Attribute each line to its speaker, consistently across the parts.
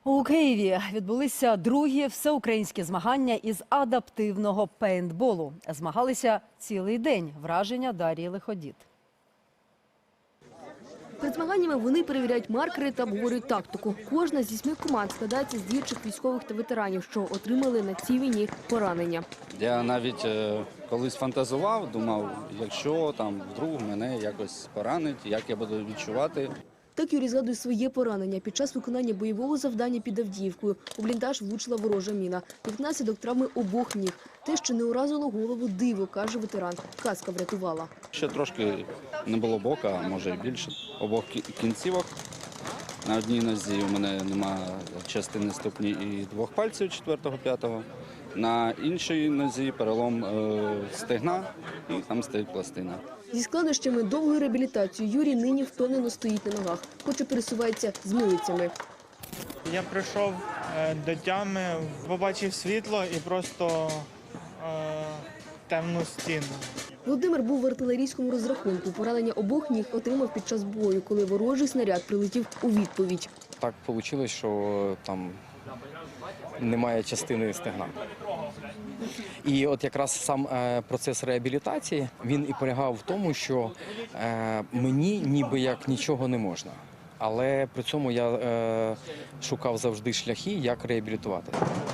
Speaker 1: У Києві відбулися другі всеукраїнські змагання із адаптивного пейнтболу. Змагалися цілий день. Враження Дар'ї Лиходіт.
Speaker 2: Перед змаганнями вони перевіряють маркери та обговорюють тактику. Кожна з 8 команд складається з діючих військових та ветеранів, що отримали на цій війні поранення.
Speaker 3: Я навіть колись фантазував, думав, якщо там вдруг мене якось поранить, як я буду відчувати.
Speaker 2: Так Юрій згадує своє поранення. Під час виконання бойового завдання під Авдіївкою у бліндаж влучила ворожа міна. Як наслідок травми обох ніг. Те, що не уразило голову, диво, каже ветеран. Каска врятувала.
Speaker 3: Ще трошки не було бока, а може і більше. Обох кінцівок. На одній нозі у мене нема частини ступні і двох пальців 4-5. На іншій нозі перелом стегна і там стоїть пластина.
Speaker 2: Зі складнощами довгої реабілітації Юрій нині впевнено стоїть на ногах, хоч і пересувається з милицями.
Speaker 4: Я прийшов до тями, побачив світло і просто темну стіну.
Speaker 2: Володимир був в артилерійському розрахунку. Поранення обох ніг отримав під час бою, коли ворожий снаряд прилетів у відповідь.
Speaker 5: Так вийшло, що там немає частини стегна. І от якраз сам процес реабілітації, він і полягав в тому, що мені ніби як нічого не можна. Але при цьому я шукав завжди шляхи, як реабілітувати.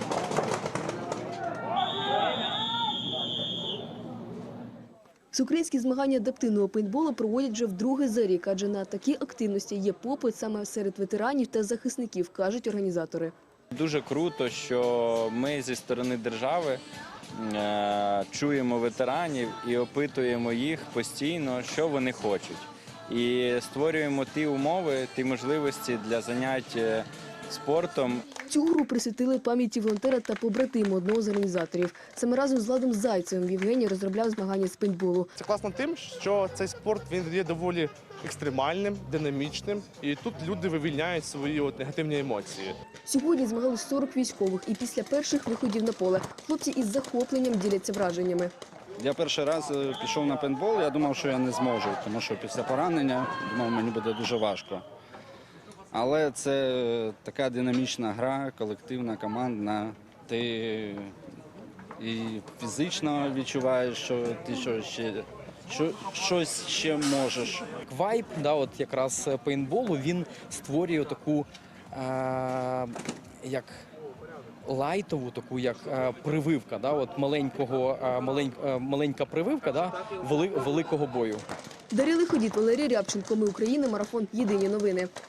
Speaker 2: Всеукраїнські змагання адаптивного пейнтболу проводять вже вдруге за рік, адже на такі активності є попит саме серед ветеранів та захисників, кажуть організатори.
Speaker 6: Дуже круто, що ми зі сторони держави чуємо ветеранів і опитуємо їх постійно, що вони хочуть. І створюємо ті умови, ті можливості для занять спортом.
Speaker 2: Цю гру присвятили пам'яті волонтера та побратиму одного з організаторів. Саме разом з Владом Зайцевим Євгеній розробляв змагання з пейнтболу.
Speaker 7: Це класно тим, що цей спорт він є доволі екстремальним, динамічним, і тут люди вивільняють свої негативні емоції.
Speaker 2: Сьогодні змагались 40 військових, і після перших виходів на поле хлопці із захопленням діляться враженнями.
Speaker 3: Я перший раз пішов на пейнтбол, я думав, що я не зможу, тому що після поранення думав, мені буде дуже важко. Але це така динамічна гра, колективна, командна. Ти і фізично відчуваєш, що ти щось ще можеш.
Speaker 5: Вайб, от якраз пейнтболу, він створює таку як лайтову, таку як прививка, от маленька прививка великого бою.
Speaker 2: Дар'я Лиходіт, Валерій Рябченко. Ми Україна. Марафон. Єдині новини.